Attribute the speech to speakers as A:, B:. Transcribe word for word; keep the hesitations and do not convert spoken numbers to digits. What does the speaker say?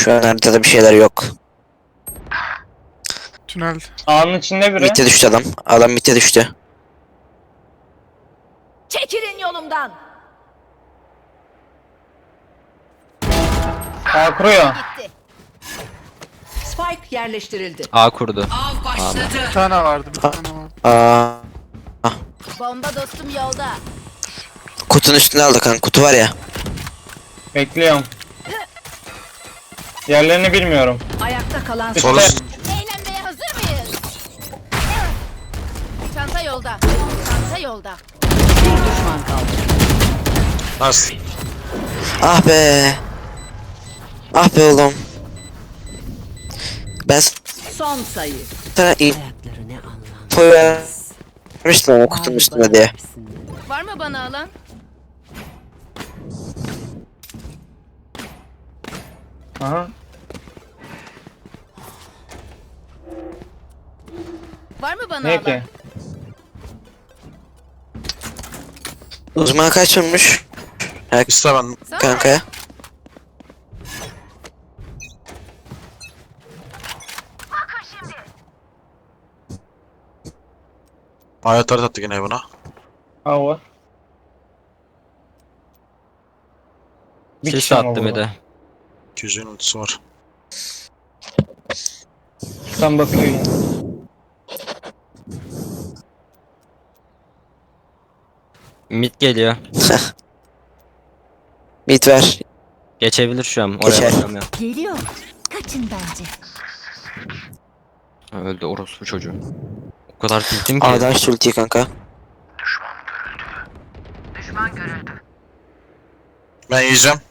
A: Şu an haritada bir şeyler yok.
B: Tünel.
C: Ağanın içinde biri.
A: Mitte düştü adam. Adam mitte düştü.
D: Çekilin yolumdan.
C: Ağ kuruyor.
D: Gitti.
E: Spike yerleştirildi.
F: A kurdu.
E: Av başladı.
B: Bir tane vardı, bir tane vardı.
A: Aa,
D: Bomba dostum yolda.
A: kutunun üstüne aldı kanka. Kutu var ya.
C: Bekliyorum. Yerlerini bilmiyorum.
E: Ayakta kalan
C: İşte.
G: Sol üst.
D: Eğlenmeye hazır mıyız? Çanta yolda. Çanta yolda.
E: bir düşman kaldı.
G: Nasıl?
A: Ah be. Ah be oğlum. Ben
E: Son sayı.
A: sana
E: Ayakları ne anlam.
A: info vermiştim ama kutunun üstüne diye.
D: Var mı bana alan?
C: Aha.
D: Var mı bana
C: Ne
D: alan?
C: ki?
A: Uzman kaç vurmuş? Ha,
G: İste ben.
D: Sana
A: kanka.
G: Ayetler attı yine buna.
C: Ha var. Bir
F: Sis
C: kişi mi
F: attı
C: bu?
F: bir de.
G: iki yüz yönetisi var.
C: Tam bakıyor yine.
F: Mid geliyor.
A: Mid ver.
F: Geçebilir şu an. Oraya
A: Geçer.
F: bakamıyorum.
D: Geliyor. Kaçın bence.
F: Öldü orospu çocuğu. O kadar tiltim ki.
A: A'dan şu ultiyi kanka.
G: Ben yiyeceğim.